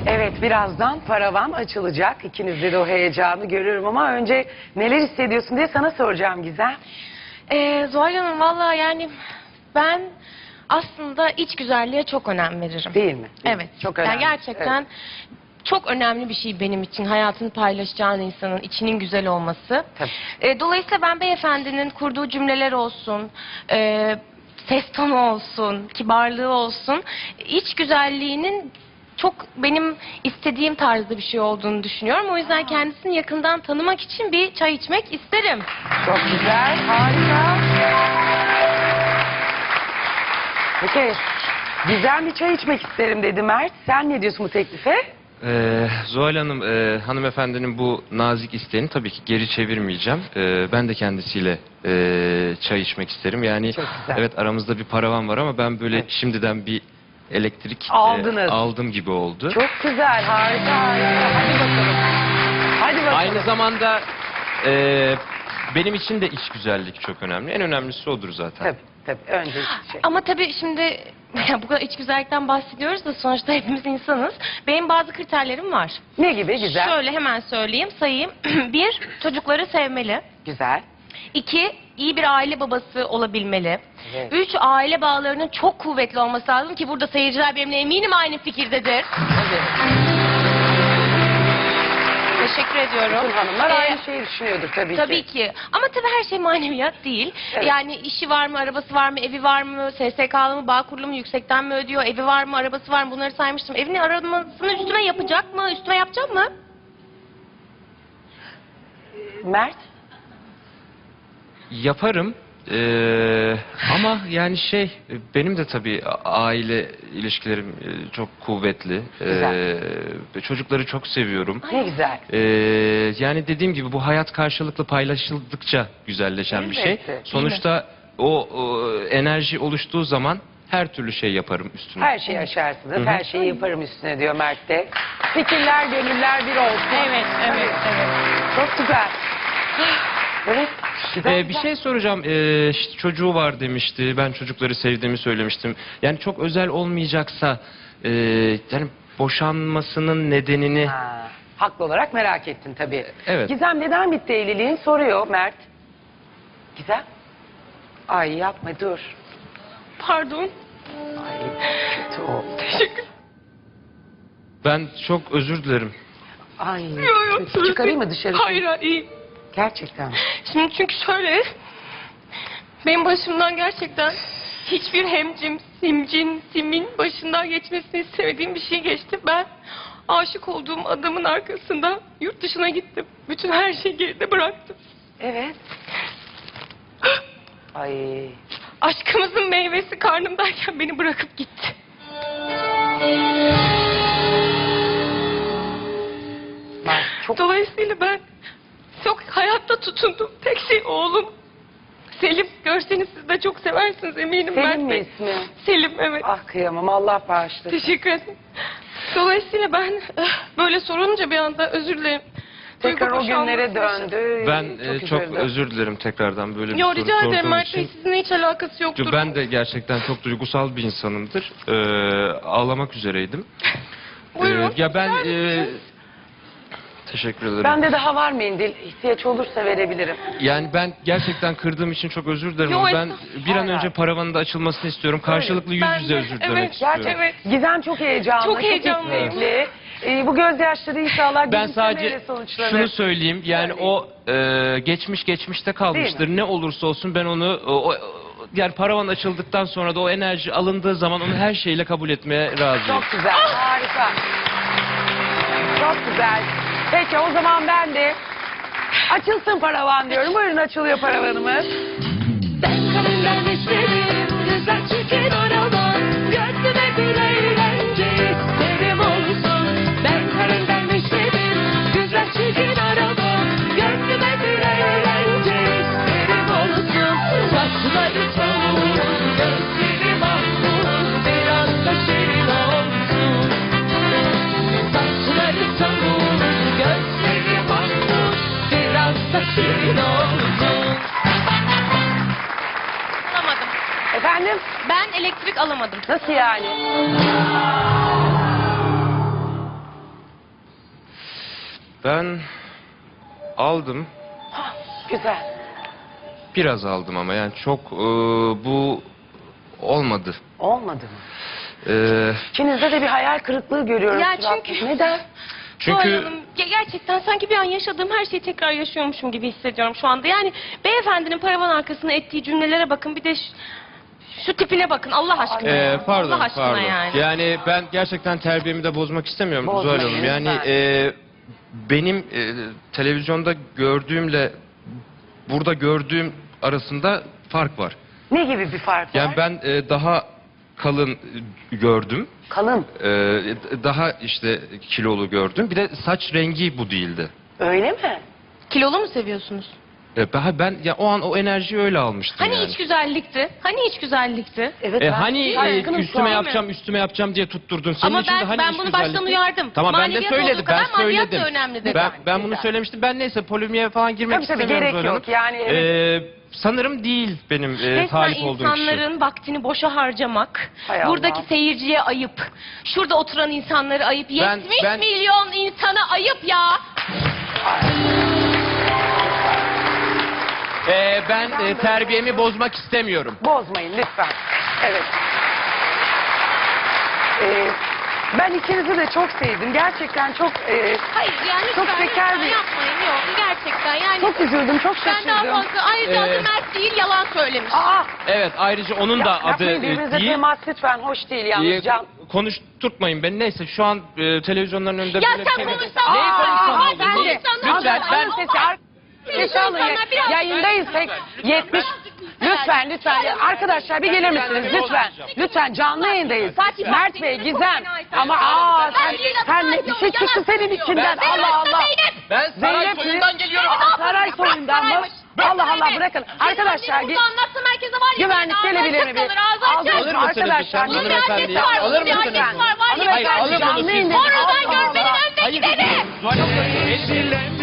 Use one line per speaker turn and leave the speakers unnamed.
Evet, birazdan paravan açılacak. İkinizde de o heyecanı görüyorum ama önce neler hissediyorsun diye sana soracağım Gizem.
Zuhal Hanım valla yani ben aslında iç güzelliğe çok önem veririm.
Değil mi? Değil mi?
Evet.
Çok önemli.
Yani gerçekten
Evet.
çok önemli bir şey benim için. Hayatını paylaşacağın insanın içinin güzel olması.
Tabii.
Dolayısıyla ben beyefendinin kurduğu cümleler olsun, ses tonu olsun, kibarlığı olsun, iç güzelliğinin çok benim istediğim tarzda bir şey olduğunu düşünüyorum. O yüzden kendisini yakından tanımak için bir çay içmek isterim.
Çok güzel, harika. Peki, Gizem bir çay içmek isterim dedi Mert. Sen ne diyorsun bu teklife?
Zuhal Hanım, hanımefendinin bu nazik isteğini tabii ki geri çevirmeyeceğim. Ben de kendisiyle çay içmek isterim. Yani
Çok güzel.
evet aramızda bir paravan var ama ben böyle şimdiden bir elektrik
Aldınız.
aldım gibi oldu.
Çok güzel, harika, harika. Hadi bakalım. Hadi bakalım.
Aynı zamanda benim için de iç güzellik çok önemli. En önemlisi odur zaten.
Tabii, tabii. Önce şey.
Ama tabii şimdi bu kadar iç güzellikten bahsediyoruz da sonuçta hepimiz insanız. Benim bazı kriterlerim var.
Ne gibi Gizem?
Şöyle hemen söyleyeyim, sayayım. 1, çocukları sevmeli.
Güzel.
2, iyi bir aile babası olabilmeli.
Evet.
3, aile bağlarının çok kuvvetli olması lazım ki burada seyirciler benimle eminim aynı fikirdedir.
Tabii.
Teşekkür ediyorum.
Bütün hanımlar
Ee,
aynı şeyi düşünüyordur tabii ki.
Tabii ki. Ama tabii her şey maneviyat değil.
Evet.
Yani işi var mı, arabası var mı, evi var mı, SSK'lı mı, Bağkurlu mu, yüksekten mi ödüyor, evi var mı, arabası var mı, bunları saymıştım. Evini aramasını üstüme yapacak mı, üstüme yapacak mı?
Mert?
Yaparım. Ama yani benim de tabii aile ilişkilerim çok kuvvetli.
Güzel.
Çocukları çok seviyorum.
Ne güzel.
Yani dediğim gibi bu hayat karşılıklı paylaşıldıkça güzelleşen bir şey.
Elbette.
Sonuçta o enerji oluştuğu zaman her türlü şey yaparım üstüne.
Her şeyi aşarsınız,
Hı hı.
her şeyi yaparım üstüne diyor Mert de. Fikirler, gönüller bir olsun.
Evet, evet, evet.
Çok güzel. Evet. Güzel,
Bir şey soracağım. İşte çocuğu var demişti. Ben çocukları sevdiğimi söylemiştim. Yani çok özel olmayacaksa yani boşanmasının nedenini
Ha, haklı olarak merak ettin tabii.
Evet.
Gizem neden bitti evliliğin soruyor Mert. Gizem? Ay yapma dur.
Pardon.
Ay kötü oldu.
Teşekkür.
ben çok özür dilerim.
Ay
Yok,
kötü. Çıkarayım mı dışarı?
Hayır, iyi.
Gerçekten.
Şimdi çünkü şöyle, benim başımdan gerçekten hiçbir hemcim, simcin, simin başından geçmesini istemediğim bir şey geçti. Ben aşık olduğum adamın arkasında yurt dışına gittim. Bütün her şeyi geride bıraktım.
Evet. Ay.
Aşkımızın meyvesi karnımdayken beni bırakıp gitti.
Bak çok
Dolayısıyla ben çok hayatta tutundum. Tek şey oğlum. Selim, görseniz siz de çok seversiniz eminim.
Selim
ben
mi
de.
ismi?
Selim, evet.
Ah kıyamam Allah bağışlasın.
Teşekkür ederim. Dolayısıyla ben böyle sorunca bir anda özür dilerim.
Tekrar
Duygu
o günlere
boşalması
döndü.
Ben çok
üzüldüm.
özür dilerim tekrardan böyle bir
Yo,
soru
rica ederim
sorduğum
Mert Bey,
için.
sizinle hiç alakası yoktur.
Ben de gerçekten çok duygusal bir insanımdır. Ağlamak üzereydim.
Buyurun.
Ya ben
ister misiniz?
teşekkür ederim.
Bende daha var mendil. İhtiyaç olursa verebilirim.
Yani ben gerçekten kırdığım için çok özür dilerim
Yo,
ama ben
estağfurullah.
bir an
Hayır,
önce
hayır.
paravanın da açılmasını istiyorum. Karşılıklı yüz
Ben
yüze
de,
özür dilemek
evet,
istiyorum.
Gerçekten.
Evet.
Gizem çok heyecanlı.
Çok heyecanlı.
istekli. Bu gözyaşları inşallah
Ben
gülümsemeyle
sadece
sonuçlanır.
şunu söyleyeyim. Yani
Söyleyin.
o geçmişte
Değil
kalmıştır. Ne olursa olsun ben onu yani paravan açıldıktan sonra da o enerji alındığı zaman onu her şeyle kabul etmeye razıyım.
Çok güzel, harika. Çok güzel. Peki o zaman ben de açılsın paravan diyorum. Buyurun açılıyor paravanımız.
Ben kalender beslerim, güzel çirkin araban, gönlüme bir eğlence isterim olsun. Ben kalender beslerim, güzel çirkin araban, gönlüme bir eğlence isterim olsun. Saçları savur, gözleri mahmur, biraz da şirin olsun. Saçları savur, gözleri mahmur, biraz da şirin olsun.
Alamadım.
Efendim?
Ben elektrik alamadım.
Nasıl yani?
Ben aldım.
Güzel.
Biraz aldım ama yani çok bu olmadı.
Olmadı mı?
E,
İkinizde de bir hayal kırıklığı görüyorum.
Ya
suratlı.
çünkü-
Neden?
çünkü
Zuhal Hanım, gerçekten sanki bir an yaşadığım her şeyi tekrar yaşıyormuşum gibi hissediyorum şu anda. Yani beyefendinin paravan arkasına ettiği cümlelere bakın, bir de şu tipine bakın Allah aşkına.
pardon,
Allah aşkına
pardon.
yani.
Yani ben gerçekten terbiyemi de bozmak istemiyorum
Bozmayın
Zuhal Hanım. Yani
lütfen.
benim televizyonda gördüğümle burada gördüğüm arasında fark var.
Ne gibi bir fark var?
Yani ben daha kalın gördüm.
Kalın.
Daha işte kilolu gördüm. Bir de saç rengi bu değildi.
Öyle mi?
Kilolu mu seviyorsunuz?
Ben ya o an o enerjiyi öyle almıştım
Hani
yani.
iç güzellikti? Hani iç güzellikti?
Evet. ben
Hani
saygınım şu
üstüme
an.
üstüme yapacağım diye tutturdun. Senin
Ama
için de hani
ben
iç
bunu
güzellikti?
baştan uyardım.
Tamam ben de
Maneviyat
söyledim.
olduğu kadar
Ben
maddiyat da
söyledim.
önemli dedim.
Ben bunu
Güzel.
söylemiştim. Ben neyse polemiğe falan girmek
Tabii tabii,
istemiyorum.
gerek
Zuhal
yok.
Hanım.
Yani
Sanırım değil benim
Resmen
talip olduğum kişi.
insanların vaktini boşa harcamak,
Hay
buradaki
Allah.
seyirciye ayıp, şurada oturan insanları ayıp, 70
ben-
milyon insana ayıp ya.
Ben terbiyemi bozmak istemiyorum.
Bozmayın lütfen. Evet. Ben ikinizi de çok sevdim. Gerçekten çok
Hayır yani
Çok
lütfen,
şeker
lütfen
bir-
yapmayın, yok gerçekten yani.
çok üzüldüm, çok
ben daha
şaşırdım.
fazla, ayrıca adı
Ee,
Mert değil, yalan söylemiş.
Aa,
Evet ayrıca onun da adı
yapmayın birbirinize
değil.
temas lütfen. Hoş değil yalnız Can.
Konuşturtmayın beni. Neyse şu an televizyonların önünde
Ya
böyle
sen
şeyler-
konuşsan-
Neyi konuşsam
Aa,
olur?
ben de-
Lütfen ben...
Sesi alın. Yayındayız.
Lütfen.
70. Lütfen lütfen. Arkadaşlar bir gelir misiniz lütfen? Lütfen canlı yayındayız.
Fatih,
Mert
Fatih,
Bey,
çok
Gizem.
fenaysa.
Ama sen ne bir şey çıktı senin içinden.
Ben-
Allah Allah.
Ben saray
Zeynep
soyundan
mi?
geliyorum.
Saray soyundan mı? Allah Allah bırakın. Arkadaşlar
Burada anlatsam herkese var ya.
güvenlik gelebilir mi?
Alır mısınız
Arkadaşlar
lütfen
lütfen.
hanımefendiyi? Alır mısınız?
Hanımefendi
Hayır, alın bunu
canlı
siz.
yayındayız.
Oradan
Allah
görmenin
Allah.
önüne gidelim.
Zuhal Hanım,